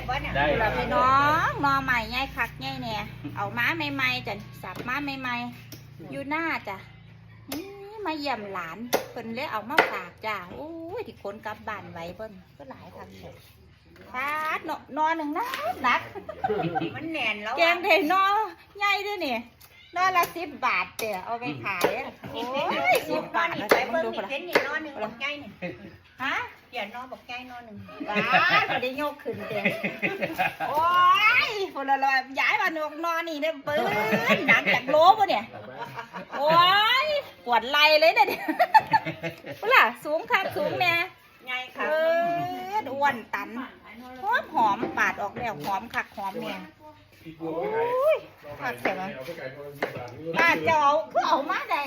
บ่เนี่ยได้เราพี่น้องนอใหม่ง่ายคักง่ายเนี่ยเอาม้าใหม่ๆจ้ะสับม้าใหม่ๆอยู่หน้าจ้ะนี่มาเยี่ยมหลานเพิ่นเลยเอามาฝากจ้ะโอ้ยที่คนกลับบ้านไว้เพิ่นก็หลายคักเลยฟาดนอหนึ่งหนักมันแน่นแล้วแกงเทนอใหญ่ด้วยนี่นอละ10 บาทเดี๋ยวเอาไปขายอะโอ้ย10 บาทนี่นะไปจ๊ะเบิ่งดูนี่ละเห็นนี่นอนหนึ่งบอกใหญ่นี่ฮะเดี๋ยวนอนบอกใหญ่นอนหนึ่งว้าไม่ได้โยกขึ้นเด้โอ้ยคนละลอยย้ายมานกนอนนี่เนี่ยปื้นหนักจากโลป่ะเนี่ยโอ้ยปวดไหล่เลยเนี่ยเปล่าสูงคักสูงเนี่ยใหญ่ค่ะอ้วนตันหอมปาดออกแล้วหอมคักหอมเนี่ยโอ้ยคักเสียมั้ยป้าจะเอาคือเอามาได้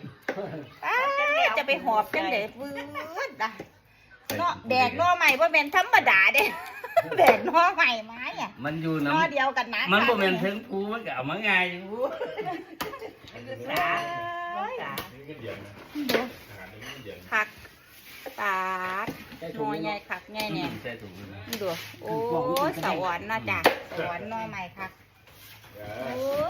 จะไปหอบจังเด็ดวืดอ่ะเนาะแดกนอใหม่ว่าเป็นธรรมดาเด้แดกนอใหม่ไม้อ่ะมันอยู่นน้อเดียวกันนะำมันบ่แม่นถึงภูมันก็เอามาง่ายอยู่สาสาดูคักปาดนอใหญ่คักใหญ่เนี่ยใช่ถูกนะดูโอ้ยสวรรค์นะจ๊ะสวรรค์นอใหม่คักโอ้ย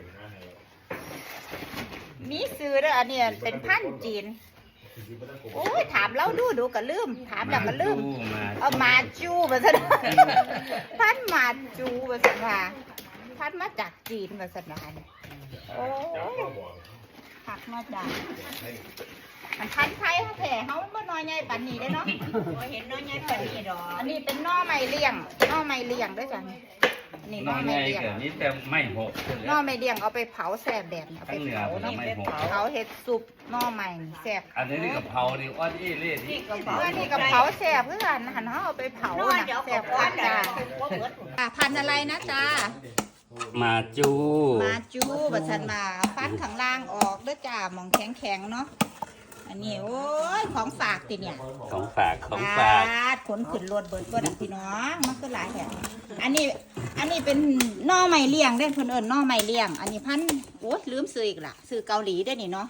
มีซื้อเด้ออันนี้เป็นพันธุ์จีนโอ้ยถามแล้วดูก็ลืมถามแล้วก็ลืมเอามาจูมาซะพันธุ์มาจูมาซะว่าพันธุ์มาจากจีนมาซะนะเนี่ยโอ้ยหักมาจากมันพันธุ์ไทยเขาแผ่เขาเมื่อน้อยใหญ่ปันนี้ได้เนาะเห็นน้อยใหญ่ปานนี้ดอกอันนี้เป็นนอไม้เลี้ยงนอไม้เลี้ยงด้วยจ้ะนี่นน้ออยไม้ใหญ่เลี้ยงก็นี่แต่ไม่หกนอไม้เลี้ยงเอาไปเผาแซ่บแบบนี้เอาไปเผาทั้เนาะงเหนือเผาเห็ดซุปนอไม้แซ่บอันนี้กะเพราดิอ้อนอี้เล่ดินี่ก็เผาเพื่อนนี่กับเผาแซ่บเพื่อนหันเขาเอาไปเผาน้อยน่ะเดี๋ยวแซ่ก็บก้อคันกจ้าจ้าพันธุ์อะไรนะจ้ามาจูมาจูบัดสันมาฟันข้างล่างออกด้วยจ้าหมองแข็งๆเนาะอันนี้โอ้ยของฝากติเนี่ยของฝากของฝากดขนขึ้นรถเบิดเบิดพี่น้องมันก็หลายแห่งอันนี้เป็นหน่อไม้เลี้ยงเด้เพิ่นเอิ้นหน่อไม้เลี้ยงอันนี้พันโอ้ยลืมซื้ออีกล่ะซื้อเกาหลีได้นี่เนาะ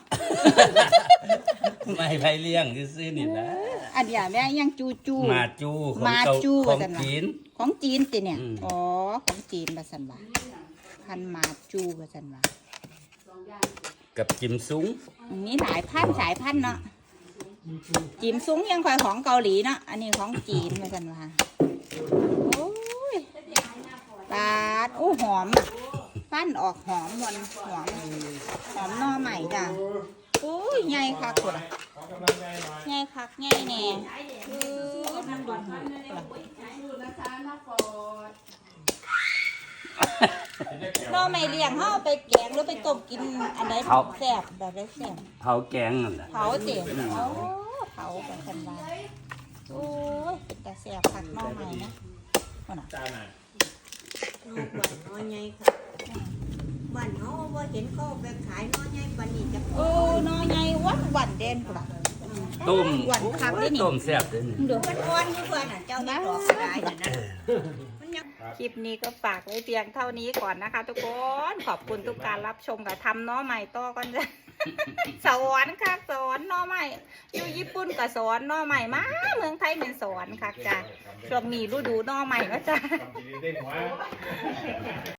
ไม่ไปเลี้ยงซื้อนี่นะอันเนี้ยแม่ยังจูมาจูของมาเกาจูของว่าซั่นว่ะจีนของจีนติเนี่ยอืมอ๋อของจีนว่าซั่นว่าพันมาจูว่าซั่นว่ากับจิมซุ้งมีหลายพันสายพันธุ์เนาะจิมซุ้งยังคอยของเกาหลีเนาะอันนี้ของจีนว่าซั่นว่าโอ้ยปาดโอ้หอมอ่ะฟันออกหอมมันหอมหน่อใหม่จ้ะโอ้ยใหญ่คักพุ่นใหญ่คักใหญ่แน่มันดูหน่อใหม่เลี้ยงเฮาไปแกงหรือไปต้มกินอันใดแซ่บแบบใดแซ่บเผาแกงนั่นแหละเผาเตี๋ยวเผากันกันมาโอ้ยเป็นแต่แซ่บคักหน่อใหม่นะคนน่ะน้อยใหญ่ค่ะบ้านเขาว่าเห็นเขาไปขายน้อยใหญ่ปานนี้จะโอ้หน่อใหญ่วันเด่นพุ่นล่ะต้มหวานคักได้นี่ต้มแซ่บด้วยนี่ดูมันอ่อนอยู่เพื่อนน่ะเจ้านี่ดอกกายน่ะนะมันยังคลิปนี้ก็ฝากไว้เพียงเท่านี้ก่อนนะคะ ทุกคนขอบคุณทุกการรับชมกับทำหน้อใหม่ต่อกันจ้ะ สอนค่ะสอนหน้อใหม่อยู่ญี่ปุ่นก็สอนหน้อใหม่มาเมืองไทยเป็นสอนค่ะจ้ะช่วงนี้ฤดูหน้อใหม่แล้วจ้ะ